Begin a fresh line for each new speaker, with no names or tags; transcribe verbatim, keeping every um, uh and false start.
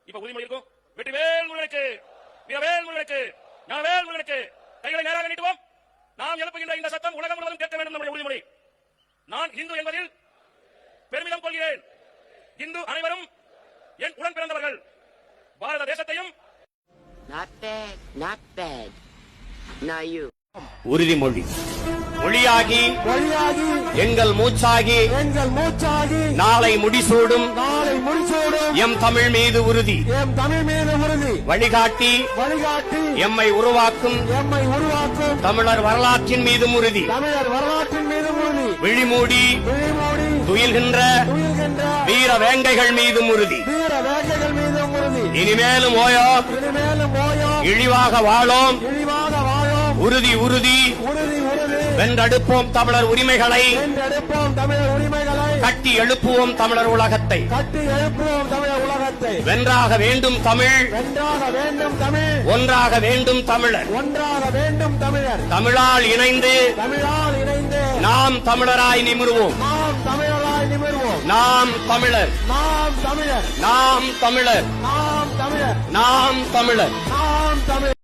இப்ப உறுதிமொழி இருக்கும். வெற்றிவேல் முருகனுக்கு, வீரவேல் முருகனுக்கு, ஞானவேல் முருகனுக்கு. கைகளை நேராக நீட்டுவோம். நாம் எழுப்புகின்ற இந்த சத்தம் உலகம் முழுவதும் கேட்க வேண்டும். நம்முடைய உறுதிமொழி. நான் இந்து என்பதில் பெருமிதம் கொள்கிறேன். இந்து அனைவரும் என் உடன் பிறந்தவர்கள். பாரத தேசத்தையும்
Not bad, not bad. Now you.
உறுதிமொழி. மொழியாகி
வழியாகி
எங்கள் மூச்சாகி
எங்கள் மூச்சாகி
நாளை முடிசூடும்
நாளை முடிசூடும்
எம் தமிழ் மீது உறுதி.
எம் தமிழ் மீது உறுதி.
வழிகாட்டி
வழிகாட்டி
எம்மை உருவாக்கும்
எம்மை உருவாக்கும்
தமிழர் வரலாற்றின் மீதும் உறுதி.
தமிழர் வரலாற்றின் மீது உறுதி.
விழிமூடி
விழிமூடி
துயில்கின்ற
துயில்கின்ற
வீர வேங்கைகள் மீதும் உறுதி.
வீர வேங்கைகள் மீதும் உறுதி.
இனிமேலும் ஓயோம்
இனிமேலும் ஓயோம்
இழிவாக வாழோம்.
இழிவாக வாழோம்.
உறுதி உறுதி
உறுதி உறுதி.
வென்றெடுப்போம் தமிழர் உரிமைகளை.
வென்றெடுப்போம் தமிழர் உரிமைகளை.
கட்டி எழுப்புவோம் தமிழர் உலகத்தை.
கட்டி எழுப்புவோம் தமிழர் உலகத்தை.
வென்றாக வேண்டும் தமிழ்.
வென்றாக வேண்டும் தமிழ்.
ஒன்றாக வேண்டும் தமிழர்.
ஒன்றாக வேண்டும் தமிழர்.
தமிழால் இணைந்து
தமிழால் இணைந்து
நாம் தமிழராய் நிமிர்வோம்.
நாம் தமிழராய் நிமிர்வோம்.
நாம் தமிழர்.
நாம் தமிழர்.
நாம் தமிழர்.
நாம் தமிழர்.
நாம் தமிழர்.
நாம் தமிழர்.